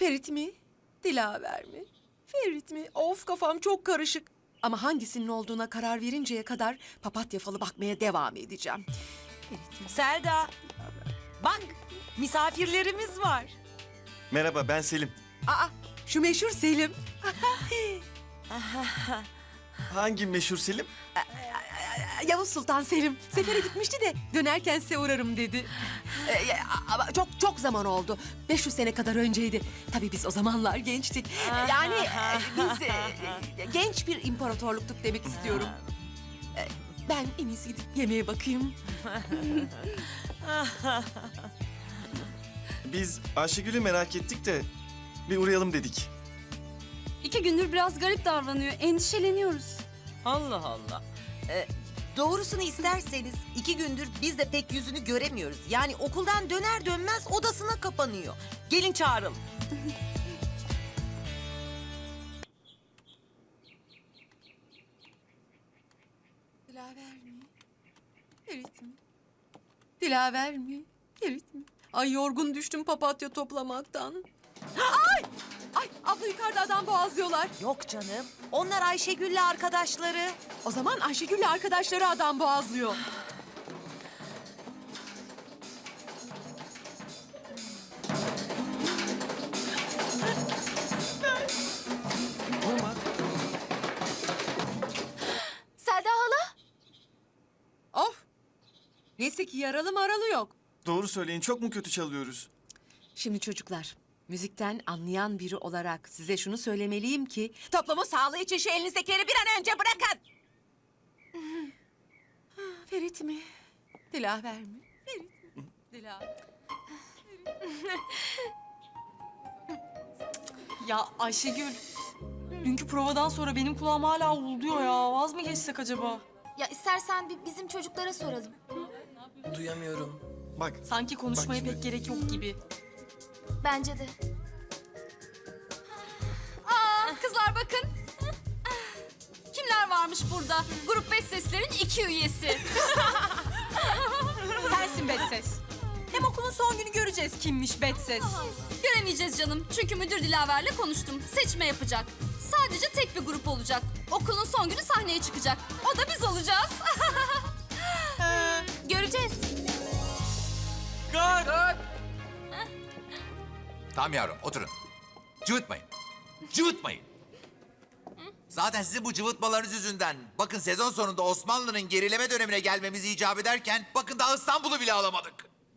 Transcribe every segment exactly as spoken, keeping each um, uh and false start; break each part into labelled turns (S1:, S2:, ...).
S1: Ferit mi? Dilaver mi? Ferit mi? Of, kafam çok karışık. Ama hangisinin olduğuna karar verinceye kadar papatya falı bakmaya devam edeceğim. Ferit mi?
S2: Selda, bak misafirlerimiz var.
S3: Merhaba, ben Selim.
S1: Aa, şu meşhur Selim.
S3: Hangi meşhur Selim?
S1: Yavuz Sultan Selim. Sefere gitmişti de dönerken size uğrarım dedi. Ee, ama çok çok zaman oldu. beş yüz sene kadar önceydi. Tabii biz o zamanlar gençtik. Yani e, biz e, genç bir imparatorluktuk demek istiyorum. Ee, Ben en iyisi gidip yemeğe bakayım.
S3: Biz Ayşegül'ü merak ettik de bir uğrayalım dedik.
S4: İki gündür biraz garip davranıyor. Endişeleniyoruz.
S2: Allah Allah. Ee, doğrusunu isterseniz iki gündür biz de pek yüzünü göremiyoruz. Yani okuldan döner dönmez odasına kapanıyor. Gelin çağıralım.
S1: Dilaver mi? Ferit mi? Dilaver mi? Ferit mi? Ay, yorgun düştüm papatya toplamaktan. Ay! Ay, abla yukarıda adam boğazlıyorlar.
S2: Yok canım. Onlar Ayşegül'le arkadaşları.
S1: O zaman Ayşegül'le arkadaşları adam boğazlıyor.
S4: Selda hala?
S1: Of! Neyse ki yaralı maralı yok.
S3: Doğru söyleyin, çok mu kötü çalıyoruz?
S1: Şimdi çocuklar, müzikten anlayan biri olarak size şunu söylemeliyim ki... Toplumun sağlığı için şu elinizdekileri bir an önce bırakın. Ferit mi? Dilaver mi? Ferit mi? Dilaver.
S5: Ya Ayşegül, dünkü provadan sonra benim kulağım hala uğulduyor ya. Vaz mı geçsek acaba?
S4: Ya istersen bir bizim çocuklara soralım.
S6: Duyamıyorum.
S3: Bak,
S5: Sanki konuşmaya
S3: Bak şimdi.
S5: pek gerek yok gibi.
S4: Bence de. Aa, kızlar bakın. Kimler varmış burada? Grup beş seslerin iki üyesi.
S5: Sensin Betses. Hem okulun son günü göreceğiz kimmiş Betses.
S4: Göremeyeceğiz canım. Çünkü müdür Dilaver'le konuştum. Seçme yapacak. Sadece tek bir grup olacak. Okulun son günü sahneye çıkacak. O da biz olacağız. Göreceğiz.
S7: Tamam yavrum, oturun. Cıvıtmayın. Cıvıtmayın. Zaten sizin bu cıvıtmalarınız yüzünden... ...bakın sezon sonunda Osmanlı'nın gerileme dönemine gelmemizi icap ederken... ...bakın daha İstanbul'u bile alamadık.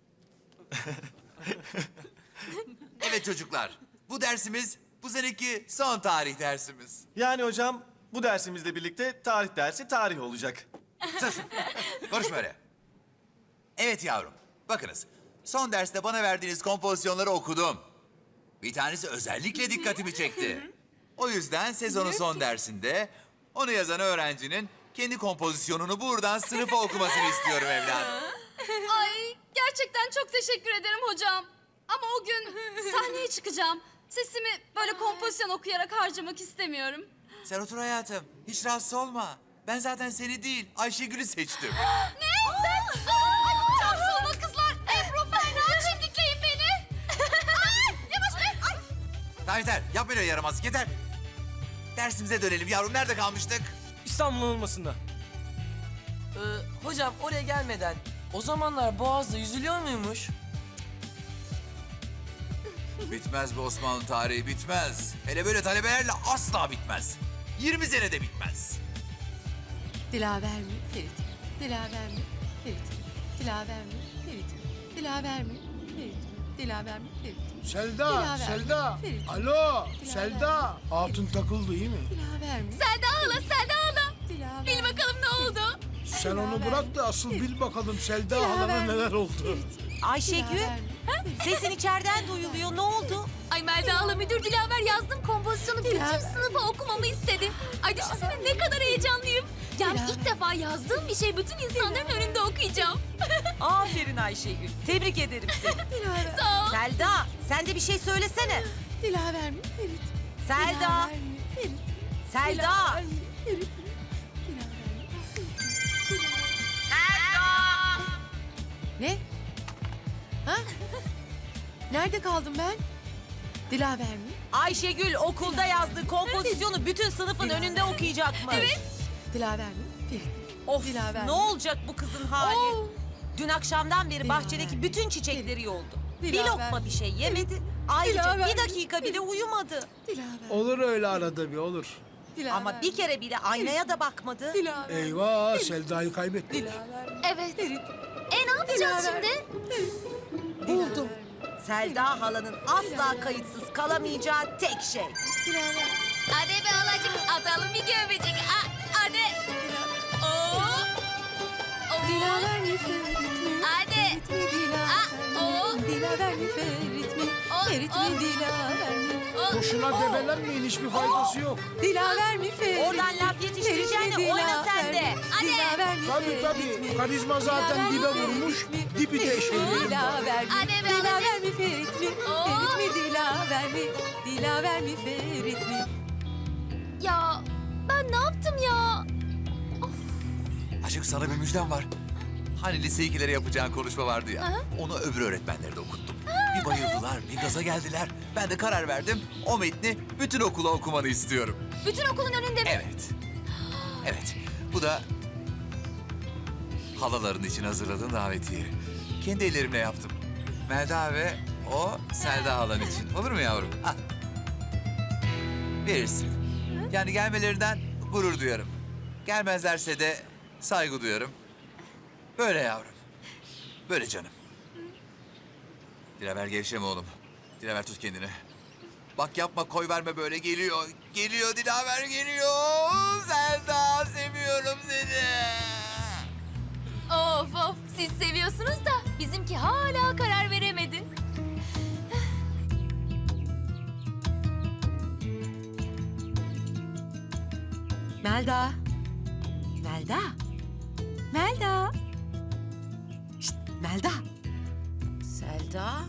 S7: Evet çocuklar, bu dersimiz bu seneki son tarih dersimiz.
S3: yani hocam bu dersimizle birlikte tarih dersi tarih olacak.
S7: Sus, konuşma öyle. Evet yavrum, bakınız. Son derste bana verdiğiniz kompozisyonları okudum. Bir tanesi özellikle dikkatimi çekti. O yüzden sezonun son dersinde onu yazan öğrencinin kendi kompozisyonunu buradan sınıfa okumasını istiyorum evladım.
S4: Ay gerçekten çok teşekkür ederim hocam. Ama o gün sahneye çıkacağım. Sesimi böyle kompozisyon okuyarak harcamak istemiyorum.
S7: Sen otur hayatım, hiç rahatsız olma. Ben zaten seni değil, Ayşegül'ü seçtim.
S4: Ne? Ben? Ay, çarpsız olma kızlar. Ebru, Berna, çimdikleyin beni. Ay, yavaş be. Ay.
S7: Tamam yeter, yapma öyle yaramazlık, yeter. Dersimize dönelim yavrum, nerede kalmıştık?
S6: İstanbul olmasında. Ee, hocam oraya gelmeden o zamanlar Boğaz'da yüzülüyor muymuş?
S7: Bitmez bu Osmanlı tarihi, bitmez. Hele böyle talebelerle asla bitmez. yirmi senede bitmez.
S1: Dilaver mi? Ferit mi? Dilaver mi? Ferit mi? Dilaver mi? Ferit mi? Dilaver mi? Ferit mi? Dilaver mi? Ferit mi?
S8: Selda,
S1: Dilaver.
S8: Selda.
S1: Ferit.
S8: Alo,
S1: Dilaver.
S8: Selda. Hatun takıldı iyi mi?
S1: Dilaver mi?
S4: Selda hala, Selda hala.
S1: Dilaver.
S4: Bil bakalım ne oldu?
S8: Sen onu bırak da asıl bil bakalım Selda
S1: Dilaver.
S8: halana neler oldu.
S2: Ayşegül,
S1: Dilaver mi?
S2: sesin içeriden duyuluyor. Ne oldu?
S4: Ay Melda hala, müdür Dilaver yazdım kompozisyonu bütün
S1: Dilaver.
S4: sınıfa okumamı istedi. Ay düşünsene ne kadar heyecanlıyım. Yani
S1: Dilaver.
S4: ilk defa yazdığım bir şey bütün insanların önünde okuyacağım.
S2: Aferin Ayşegül. Tebrik ederim seni.
S1: Dilaver.
S4: Sağ ol.
S2: Selda, sen de bir şey söylesene.
S1: Dilaver mi? Ferit mi?
S2: Selda,
S1: Dilaver mi? Ferit mi?
S2: Selda.
S1: Dilaver mi? Ferit mi? Dilaver mi? Selda! Ne? Ha? Nerede kaldım ben? Dilaver mi?
S2: Ayşegül okulda yazdığı kompozisyonu bütün sınıfın önünde okuyacakmış. Evet.
S1: Dilaver mi? Ferit.
S2: Of
S1: Dilaver
S2: ne
S1: mi?
S2: olacak bu kızın hali?
S1: Oo.
S2: Dün akşamdan beri
S1: Dilaver.
S2: bahçedeki bütün çiçekleri yoldu. Bir
S1: Dilaver.
S2: lokma bir şey yemedi. Ayrıca
S1: Dilaver.
S2: bir dakika bile uyumadı.
S1: Dilaver.
S8: Olur öyle arada bir olur.
S1: Dilaver.
S2: Ama bir kere bile aynaya da bakmadı.
S1: Dilaver.
S8: Eyvah Selda'yı kaybettik.
S1: Dilaver.
S4: Evet.
S1: Ferit.
S4: E ne yapacağız
S1: Dilaver.
S4: şimdi?
S2: Buldum. Selda halanın asla kayıtsız kalamayacağı tek şey.
S4: Hadi be halacık atalım bir göbecik. Ah, hadi. Oo. Oo.
S1: Dilaver mi Ferit mi?
S4: Hadi.
S1: Ferit mi Dilaver
S4: Ah, oo.
S1: mi? Dilaver mi Ferit mi?
S4: O,
S1: Ferit
S4: o.
S1: mi Dilaver mi?
S4: Oo.
S8: Boşuna debelenmeyin hiçbir faydası yok.
S1: Dilaver mi Ferit?
S2: Oradan laf yetiştireceğine
S1: Ferit mi,
S2: oyna
S1: Dilaver
S2: sen de.
S1: mi?
S4: Hadi.
S1: Dilaver mi
S8: Tabii
S1: Ferit
S8: tabii.
S1: mi?
S8: Karizma zaten dibe vurmuş. Dibi de eşeleyelim.
S1: Dilaver mi?
S4: Hadi be,
S1: Dilaver
S4: hadi.
S1: mi Ferit mi?
S4: Oo.
S1: Ferit mi Dilaver mi? Dilaver mi Ferit mi?
S4: Ya ben ne yaptım ya?
S7: Aşık sana bir müjdem var. Hani lise ikilere yapacağın konuşma vardı ya. Onu öbür öğretmenlere de okuttum. Bir bayıldılar, bir gaza geldiler. Ben de karar verdim. O metni bütün okula okumanı istiyorum.
S4: Bütün okulun önünde mi?
S7: Evet. Evet. Bu da halaların için hazırladığım davetiye. Kendi ellerimle yaptım. Melda ve o Selda halan için. Olur mu yavrum? Al. Verirsin. Yani gelmelerinden gurur duyarım. Gelmezlerse de saygı duyarım. Böyle yavrum. Böyle canım. Dilaver gevşeme oğlum. Dilaver tut kendini. Bak yapma koy verme böyle geliyor. Geliyor Dilaver geliyor. Selda seviyorum seni.
S4: Of of siz seviyorsunuz da bizimki hala karar veremedi.
S1: Melda. Melda. Melda. Şşt, Melda.
S2: Selda?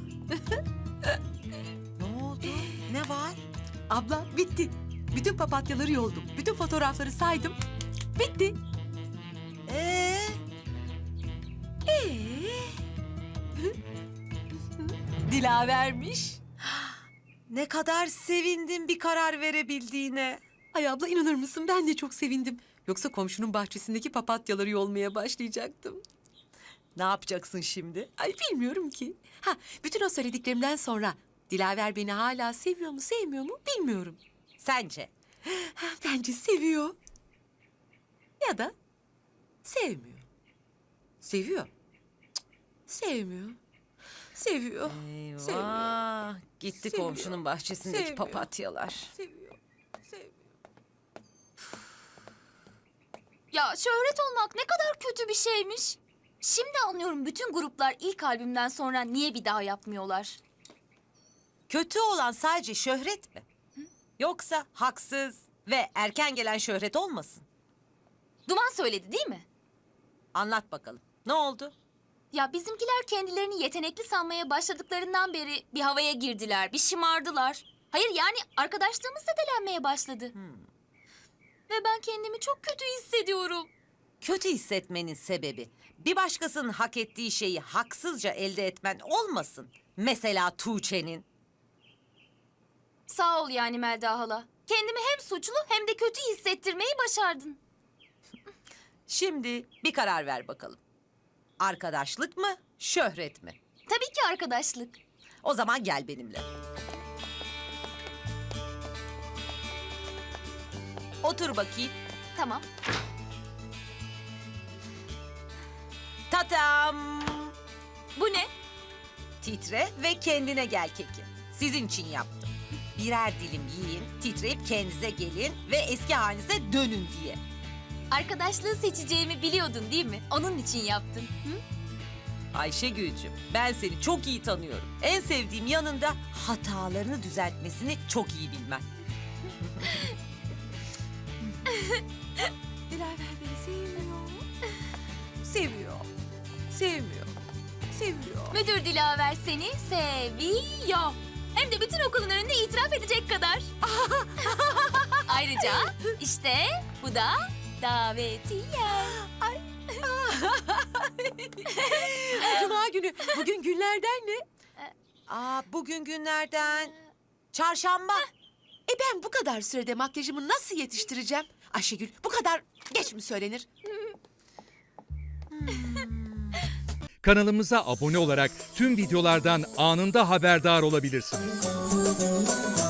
S2: Ne oldu? Ne var?
S1: Abla bitti. Bütün papatyaları yoldum. Bütün fotoğrafları saydım. Bitti.
S2: Ee?
S1: Ee? Dilavermiş.
S2: Ne kadar sevindim bir karar verebildiğine.
S1: Ay abla inanır mısın ben de çok sevindim. Yoksa komşunun bahçesindeki papatyaları yolmaya başlayacaktım.
S2: Ne yapacaksın şimdi?
S1: Ay bilmiyorum ki. Ha bütün o söylediklerimden sonra Dilaver beni hala seviyor mu sevmiyor mu bilmiyorum.
S2: Sence?
S1: Ha, bence seviyor. Ya da sevmiyor. Seviyor. Cık, sevmiyor. Seviyor. Sevmiyor.
S2: Eyvah. Gitti
S1: Seviyor.
S2: komşunun bahçesindeki
S1: Sevmiyor.
S2: papatyalar.
S1: Seviyor. Sevmiyor.
S4: Ya şöhret olmak ne kadar kötü bir şeymiş. Şimdi anlıyorum bütün gruplar ilk albümden sonra niye bir daha yapmıyorlar.
S2: Kötü olan sadece şöhret mi? Yoksa haksız ve erken gelen şöhret olmasın?
S4: Duman söyledi değil mi?
S2: Anlat bakalım. Ne oldu?
S4: Ya bizimkiler kendilerini yetenekli sanmaya başladıklarından beri bir havaya girdiler, bir şımardılar. Hayır yani arkadaşlığımız zedelenmeye başladı. Ve ben kendimi çok kötü hissediyorum.
S2: Kötü hissetmenin sebebi bir başkasının hak ettiği şeyi haksızca elde etmen olmasın. Mesela Tuğçe'nin.
S4: Sağ ol yani Melda hala. Kendimi hem suçlu hem de kötü hissettirmeyi başardın.
S2: Şimdi bir karar ver bakalım. Arkadaşlık mı, şöhret mi?
S4: Tabii ki arkadaşlık.
S2: O zaman gel benimle. Otur bakayım.
S4: Tamam.
S2: Tatam!
S4: Bu ne?
S2: Titre ve kendine gel keki. Sizin için yaptım. Birer dilim yiyin, titreyip kendinize gelin ve eski halinize dönün diye.
S4: Arkadaşlığı seçeceğimi biliyordun değil mi? Onun için yaptın. Hı?
S2: Ayşegül'cüm, ben seni çok iyi tanıyorum. En sevdiğim yanında hatalarını düzeltmesini çok iyi bilmen.
S1: Dilaver beni sevmiyor. Seviyor. Sevmiyor. Seviyor.
S4: Müdür Dilaver seni seviyor. Hem de bütün okulun önünde itiraf edecek kadar. Ayrıca işte bu da davetiye.
S1: Cuma günü. Bugün günlerden ne?
S2: Aa, bugün günlerden Çarşamba.
S1: E ben bu kadar sürede makyajımı nasıl yetiştireceğim? Ayşegül bu kadar geç mi söylenir?
S9: Kanalımıza abone olarak tüm videolardan anında haberdar olabilirsiniz.